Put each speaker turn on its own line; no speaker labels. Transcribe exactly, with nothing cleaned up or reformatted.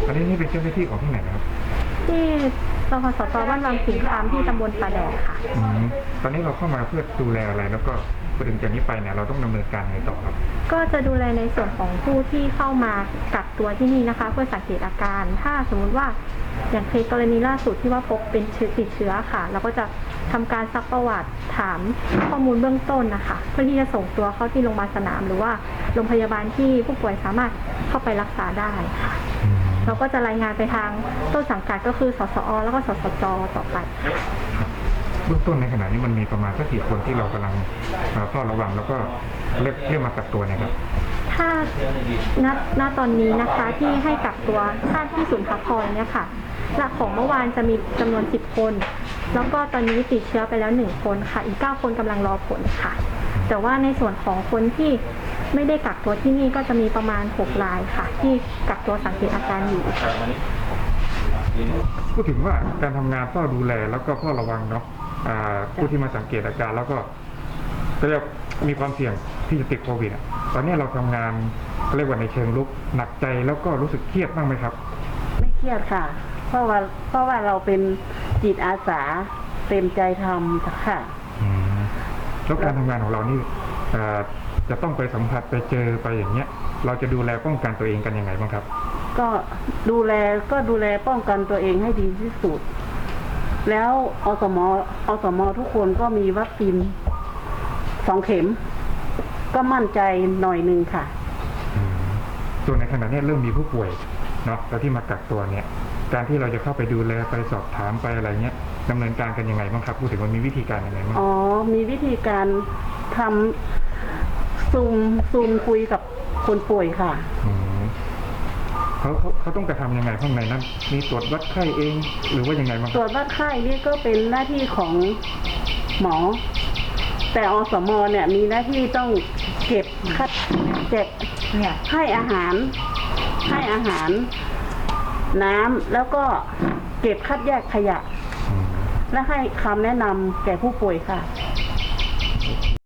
อันนี้นี่เป็นเจ้าหน้าที่ของที่ไหนนะครับ
ที่สพสตบ้านวังสิงคามที่ตำบลปลาแดดค่ะ
ตอนนี้เราเข้ามาเพื่อดูแลอะไรแล้วก็พอถึงจากนี้ไปเนี่ยเราต้องดำเนินการไงต่อครับ
ก็จะดูแลในส่วนของผู้ที่เข้ามากักตัวที่นี่นะคะ เพื่อสังเกตอาการถ้าสมมุติว่าอย่างเคสกรณีล่าสุดที่ว่าพบเป็นเชื้อติดเชื้อค่ะเราก็จะทำการซักประวัติถามข้อมูลเบื้องต้นนะคะเพื่อที่จะส่งตัวเข้าที่โรงพยาบาลสนามหรือว่าโรงพยาบาลที่ผู้ป่วยสามารถเข้าไปรักษาได้ค่ะเราก็จะรายงานไปทางต้นสังกัดก็คือสสอแล้วก็สสจต่อไป
เบื้องต้นในขณะนี้มันมีประมาณสักกี่คนที่เรากำลังเฝ้าระวังแล้วก็เรียกเรียกมากักตัวเนี่ยครับ
ถ้าณณตอนนี้นะคะที่ให้กักตัวท่าที่ศูนย์พักคอยเนี่ยค่ะหลักของเมื่อวานจะมีจำนวนสิบคนแล้วก็ตอนนี้ติดเชื้อไปแล้วหนึ่งคนค่ะอีกเก้าคนกำลังรอผลค่ะแต่ว่าในส่วนของคนที่ไม่ได้กักตัวที่นี่ก็จะมีประมาณหกรายค่ะที่กักตัวสังเกตอาการอยู่
พูดถึงว่าการทำงานเฝ้าดูแลแล้วก็เฝ้าระวังเนาะผู้ที่มาสังเกตอาการแล้วก็เรียกมีความเสี่ยงที่จะติดโควิดตอนนี้เราทำงานเรียกว่าในเชิงลุกหนักใจแล้วก็รู้สึกเครียดบ้างไหมครับ
ไม่เครียดค่ะเพราะว่าเพราะว่าเราเป็นจิตอาสาเต็มใจทำค่ะ
แล้วการทำงานของเรานี่จะต้องไปสัมผัสไปเจอไปอย่างเงี้ยเราจะดูแลป้องกันตัวเองกันยังไงบ้างครับ
ก็ดูแลก็ดูแลป้องกันตัวเองให้ดีที่สุดแล้วอสมอสมทุกคนก็มีวัคซีนสองเข็มก็มั่นใจหน่อยนึงค่ะ
ส่วนในขณะนี้เริ่มมีผู้ป่วยเนาะแล้วที่มากักตัวเนี่ยการที่เราจะเข้าไปดูแลไปสอบถามไปอะไรเงี้ยดำเนินการกันยังไงบ้างครับพูดถึงว่ามีวิธีการยังไงบ้าง
อ๋อมีวิธีการทำซูมซูมคุยกับคนป่วยค่ะ
เขาเขาเขาต้องกระทำยังไงข้างในนั้นมีตรวจวัดไข้เองหรือว่ายังไงบ้าง
ตรวจวัดไข้นี่ก็เป็นหน้าที่ของหมอแต่อสมเนี่ยมีหน้าที่ต้องเก็บคัดเก็บเนี่ยให้อาหารให้อาหารน้ำแล้วก็เก็บคัดแยกขยะและให้คำแนะนำแก่ผู้ป่วยค่ะ